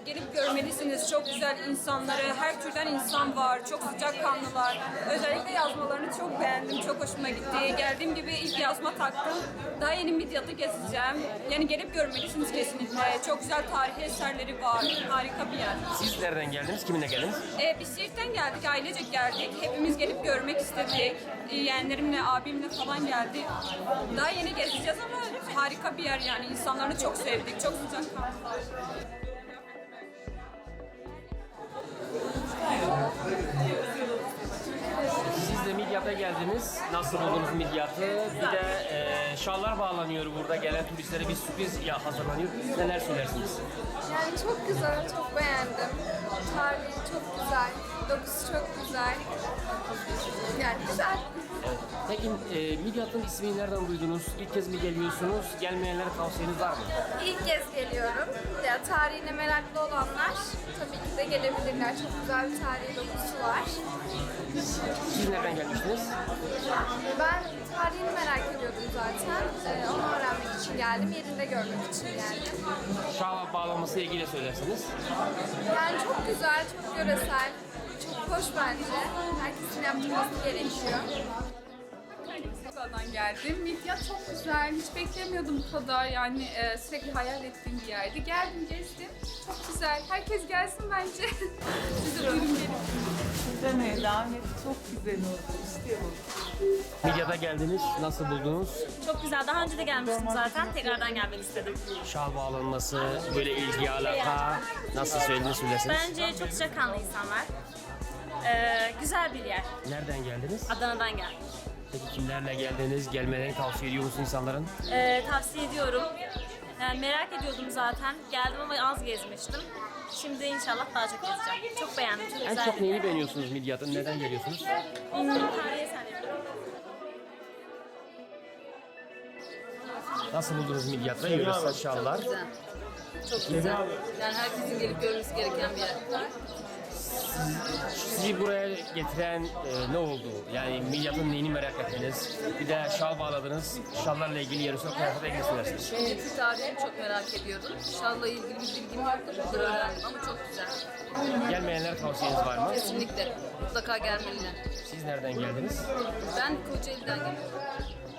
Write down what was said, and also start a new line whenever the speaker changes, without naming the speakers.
gelip görmelisiniz. Çok güzel insanları, her türden insan var. Çok sıcakkanlılar. Özellikle yazmalarını çok beğendim. Çok hoşuma gitti. Geldiğim gibi ilk yazma taktım. Daha yeni Midyat'ı gezeceğim. Yani gelip görmelisiniz kesinlikle. Çok güzel tarihi eserleri var. Harika bir yer.
Siz nereden geldiniz? Kiminle geldiniz?
Biz Siirt'ten geldik, ailecek geldik. Hepimiz gelip görmek istedik. Yeğenlerimle, abimle falan geldik. Daha yeni gezeceğiz ama harika bir yer yani. İnsanlarını çok sevdik, çok sıcakkanlılar.
Siz de Midyat'a geldiniz. Nasıl buldunuz Midyat'ı? Bir de şallar bağlanıyor burada. Gelen turistlere bir sürpriz hazırlanıyor. Neler söylersiniz?
Yani çok güzel, çok beğendim. Tarihi çok güzel, dokusu çok güzel. Yani güzel.
Evet. Peki Midyat'ın ismini nereden duydunuz? İlk kez mi geliyorsunuz? Gelmeyenlere tavsiyeniz var mı?
İlk kez geliyorum. Ya, tarihine meraklı olanlar tabii ki de gelebilirler. Çok güzel bir tarihi dokusu var.
Siz nereden gelmiştiniz?
Ben tarihini merak ediyordum zaten. Onu öğrenmek için geldim, yerinde görmek için geldim.
Şal bağlaması ilgili söylersiniz.
Yani çok güzel, çok göresel, çok hoş bence. Herkesin yaptırması gerekiyor.
Bursa'dan geldim. Midyat çok güzel. Hiç beklemiyordum bu kadar. Yani sürekli hayal ettiğim bir yerdi. Geldim, gezdim. Çok güzel. Herkes gelsin bence. Siz de buyurun gelin.
Demeye devam et. Çok güzel oldu. İstiyorum.
Midyat'a geldiniz. Nasıl buldunuz?
Çok güzel. Daha önce de gelmiştim zaten. Tekrardan gelmek istedim.
Şal bağlanması, böyle ilgi alaka nasıl söylersiniz?
Bence çok sıcakkanlı insanlar. Güzel bir yer.
Nereden geldiniz?
Adana'dan geldim.
Peki kimlerle geldiniz? Gelmelerini tavsiye ediyor musunuz insanların?
Tavsiye ediyorum. Yani merak ediyordum zaten. Geldim ama az gezmiştim. Şimdi inşallah daha çok gezeceğim. Çok beğendim. Çok
En
güzel.
çok neyini beğeniyorsunuz Midyat'ın? Neden geliyorsunuz?
Tarihi eserleri.
Nasıl buldunuz Midyat'ta? Yöresel şallar.
Çok güzel. Yani herkesin gelip görmesi gereken bir yer.
Sizi buraya getiren ne oldu? Yani Midyat'ın neyini merak ettiniz? Bir de şal bağladınız. Şallarla ilgili yöresel kıyafete ilgili söylersiniz.
Midyat'ın tarihini çok merak ediyordum. Şal'la ilgili bir bilgim yoktu. Burada öğrendim ama çok güzel.
Gelmeyenlere tavsiyeniz var mı?
Kesinlikle. Mutlaka gelmeliler.
Siz nereden geldiniz?
Ben Kocaeli'den geliyorum.